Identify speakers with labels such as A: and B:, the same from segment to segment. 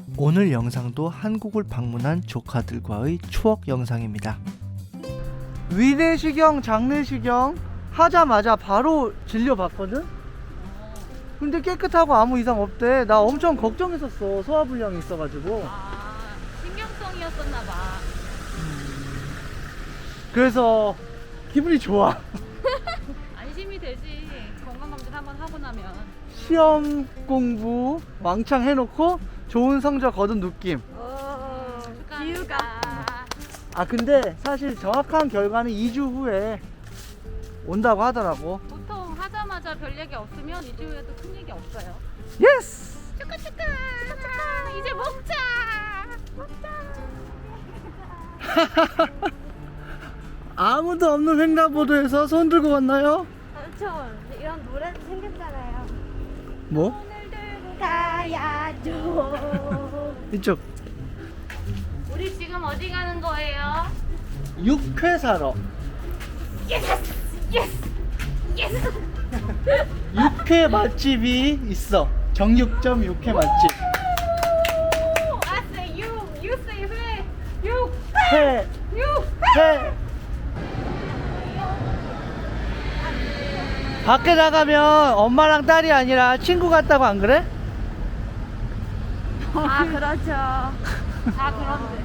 A: 오늘 영상도 한국을 방문한 조카들과의 추억 영상입니다. 위내시경, 장내시경 하자마자 바로 진료받거든? 근데 깨끗하고 아무 이상 없대. 나 엄청 걱정했었어. 소화불량이 있어가지고.
B: 신경성이었었나봐.
A: 그래서 기분이 좋아.
B: 안심이 되지. 건강검진 한번 하고 나면.
A: 시험 공부 왕창 해놓고 좋은 성적 거둔 느낌.
B: 기우가.
A: 아 근데 사실 정확한 결과는 2주 후에 온다고 하더라고.
B: 보통 하자마자 별 얘기 없으면 2주 후에도 큰 얘기 없어요.
A: 예스!
B: 축하 이제 먹자.
A: 아무도 없는 횡단보도에서 손 들고 왔나요?
C: 저 이런 노래도 생겼잖아요.
A: 뭐?
C: 오늘 들고 가야죠.
A: 이쪽
B: 우리 지금 어디 가는 거예요?
A: 육회 사러. 육회 맛집이 있어. 정육점 육회 맛집.
B: I say you say 회. 육.
A: 회. 회. 밖에 나가면 엄마랑 딸이 아니라 친구 같다고 안 그래?
C: 아 그렇죠.
B: 다 그런데.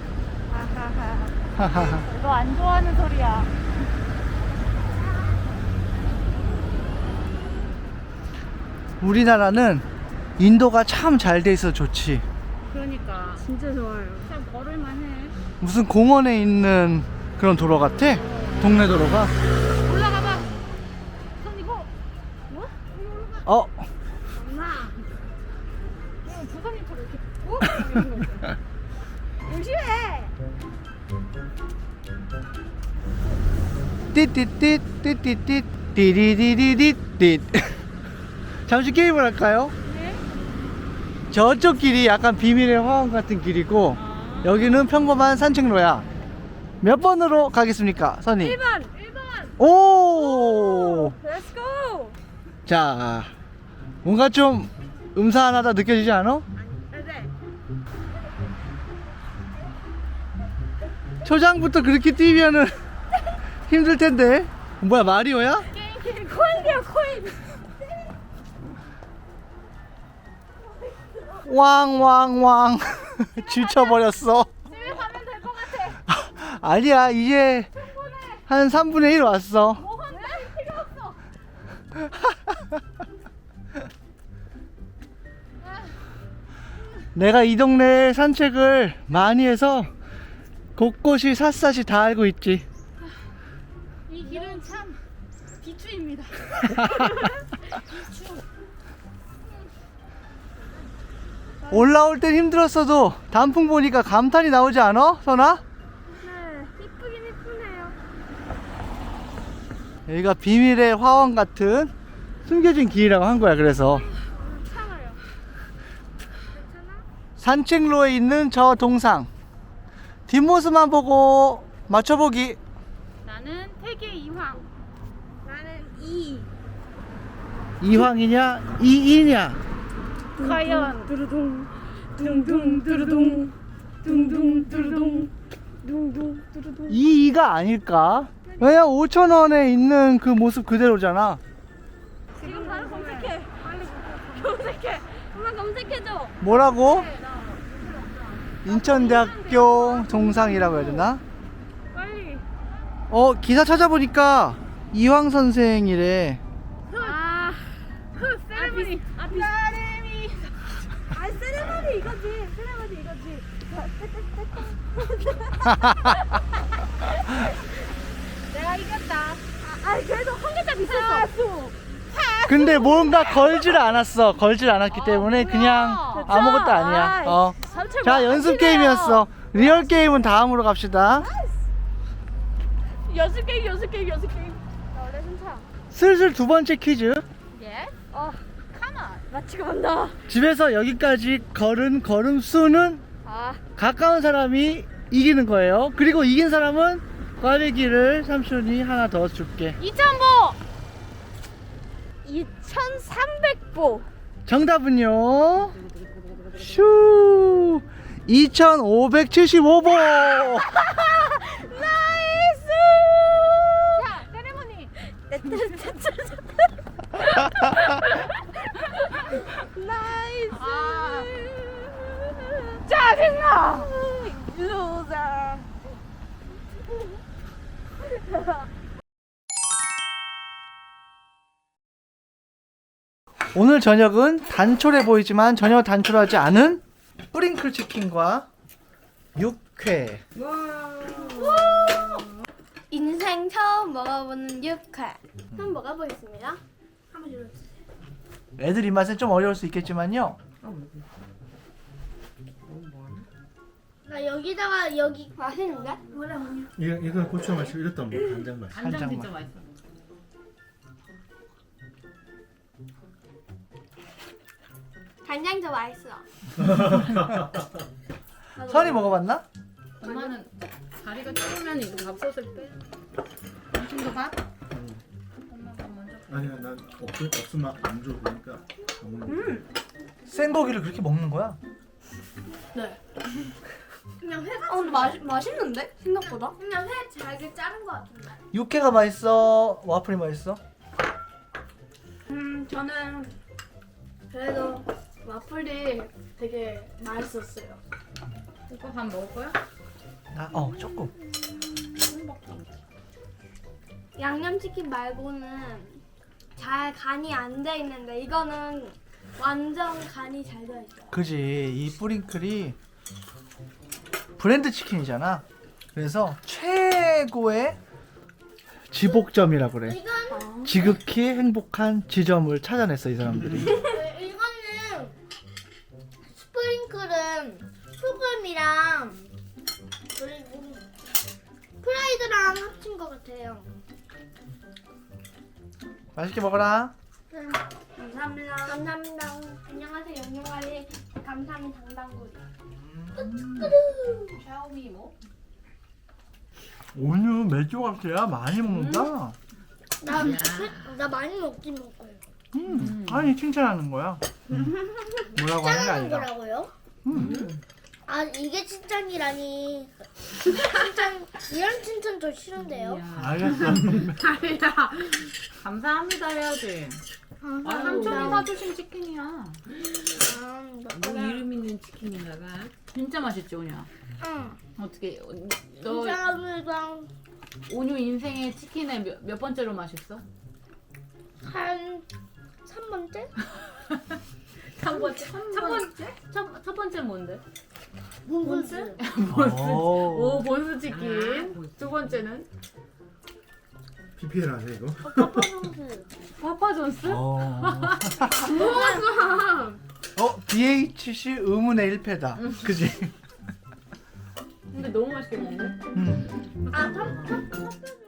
C: 하하하.
B: 너 안 좋아하는 소리야.
A: 우리나라는 인도가 참 잘 돼 있어 좋지.
B: 그러니까
C: 진짜 좋아요.
B: 참 걸을만해.
A: 무슨 공원에 있는 그런 도로 같아. 동네 도로가.
B: 올라가봐. 손 이거. 뭐?
A: 어?
B: 엄마. 부산님처럼 이렇게.
C: 조심해.
A: 띠띠띠 띠띠띠 띠리리리리띠. 잠시 게임을 할까요?
B: 네?
A: 저쪽 길이 약간 비밀의 화원 같은 길이고 여기는 평범한 산책로야. 몇 번으로 가겠습니까, 선이?
C: 1번.
A: 오!
C: Let's go.
A: 자, 뭔가 좀 음산하다 느껴지지 않아?
C: 네.
A: 초장부터 그렇게 뛰면은 힘들 텐데. 뭐야, 마리오야?
C: 코인이요 코인.
A: 왕왕왕. 지쳐버렸어.
B: 집에 가면 될 것 같아.
A: 아니야, 이제 한 3분의 1 왔어.
B: 뭐 한다 필요 없어.
A: 내가 이 동네 산책을 많이 해서 곳곳이 샅샅이 다 알고 있지.
B: 이 길은 참 비추입니다.
A: 올라올 땐 힘들었어도 단풍 보니까 감탄이 나오지 않아, 선아?
C: 네. 이쁘긴 이쁘네요.
A: 여기가 비밀의 화원 같은 숨겨진 길이라고 한 거야. 그래서
C: 괜찮아요. 괜찮아?
A: 산책로에 있는 저 동상 뒷모습만 보고 맞춰보기.
B: 나는 태계 이황.
C: 나는 이.
A: 이황이냐 이이냐.
B: 과연
C: 두루둥 둥둥 두루둥 둥둥 두루둥 둥둥 두루둥.
A: 이이가 아닐까? 왜냐 5,000원에 있는 그 모습 그대로잖아.
C: 지금 바로 검색해. 빨리 검색해. 엄마 검색해줘.
A: 뭐라고? 인천대학교 동상이라고 해야 되나?
C: 빨리.
A: 기사 찾아보니까 이황 선생이래.
C: 아. 세레머니. 세레머니. 아 세레머니 이거지. 세레머니 이거지. 내가 이겼다. 그래도 한 글자 비쌌어.
A: 근데 뭔가 걸질 않았어. 걸질 않았기 때문에 그냥 아무것도 아니야. 자, 연습 게임이었어. 리얼 게임은 다음으로 갑시다.
C: 연습 게임. 나 원래 괜찮아.
A: 슬슬 두 번째 퀴즈.
B: 예?
C: 카만. 맞추고 간다.
A: 집에서 여기까지 걸은 걸음 수는 가까운 사람이 이기는 거예요. 그리고 이긴 사람은 꽈배기를 삼촌이 하나 더 줄게.
B: 2,000보.
C: 2,300보.
A: 정답은요 슈 2575보.
C: 나이스.
B: 야, 세레모니.
C: 나이스.
B: 아.
C: 짜증나. 루저.
A: 오늘 저녁은 단촐해 보이지만 전혀 단촐하지 않은 뿌링클 치킨과 육회.
C: 인생 처음 먹어보는 육회. 한번 먹어보겠습니다. 한번 들어주세요.
A: 애들 입맛엔 좀 어려울 수 있겠지만요.
C: 나 여기다가 여기 맛있는데? 뭐라
D: 이건 고추 맛이 이랬던 거 간장 맛.
B: 간장
A: 살짝만.
B: 진짜 맛있어.
C: 간장 더 맛있어.
A: 선이 먹어봤나?
B: 엄마는 다리가 좁으면 이거 밥솥을 빼. 당신도 밥? 엄마가 먼저.
D: 아니야 난 없으면 안 줘. 그러니까 안 먹는 거.
A: 생고기를 그렇게 먹는 거야?
C: 네. 그냥 회가. 근데 맛있는데 생각보다. 그냥 회 잘게 자른 것 같은데.
A: 육회가 맛있어? 와플이 맛있어?
C: 저는 그래도 와플이 되게 맛있었어요.
B: 이거 밥 먹을 거야?
A: 조금.
C: 양념치킨 말고는 잘 간이 안 돼 있는데 이거는 완전 간이 잘 되어 있어요.
A: 그지. 이 뿌링클이 브랜드 치킨이잖아. 그래서 최고의 지복점이라 그래.
C: 이건
A: 지극히 행복한 지점을 찾아냈어 이 사람들이.
C: 이거는 스프링클은 소금이랑 그리고 프라이드랑 합친 것 같아요.
A: 맛있게 먹어라.
C: 감사합니다. 감사합니다. 안녕하세요. 영영아리 감사합니다. 당당구리.
B: 샤오미 뭐?
A: 오늘 맥주 같아야 많이 먹는다.
C: 나 많이 먹긴 먹어요.
A: 아니 칭찬하는 거야. 뭐라고 하는 게
C: 칭찬하는
A: 아니라.
C: 거라고요? 아 이게 칭찬이라니. 칭찬 이런 칭찬 저 싫은데요.
A: 알겠어.
B: 아니야. 감사합니다 해야지. 아, 삼촌이 사주신 치킨이야. 뭐 이름 있는 치킨인가봐. 진짜 맛있지 오냐?
C: 응.
B: 어떻게 너
C: 감사합니다.
B: 온유 인생의 치킨에 몇 번째로 맛있어?
C: 한 3번째?
B: 3번째? 첫 번째 뭔데?
C: 본스?
B: 오 본스 치킨. 두 번째는
D: PPL 아니야 이거?
C: 파파존스.
B: 파파존스?
A: BHC 의문의 1패다. 그지?
B: 근데 너무 맛있겠는데?
C: 아,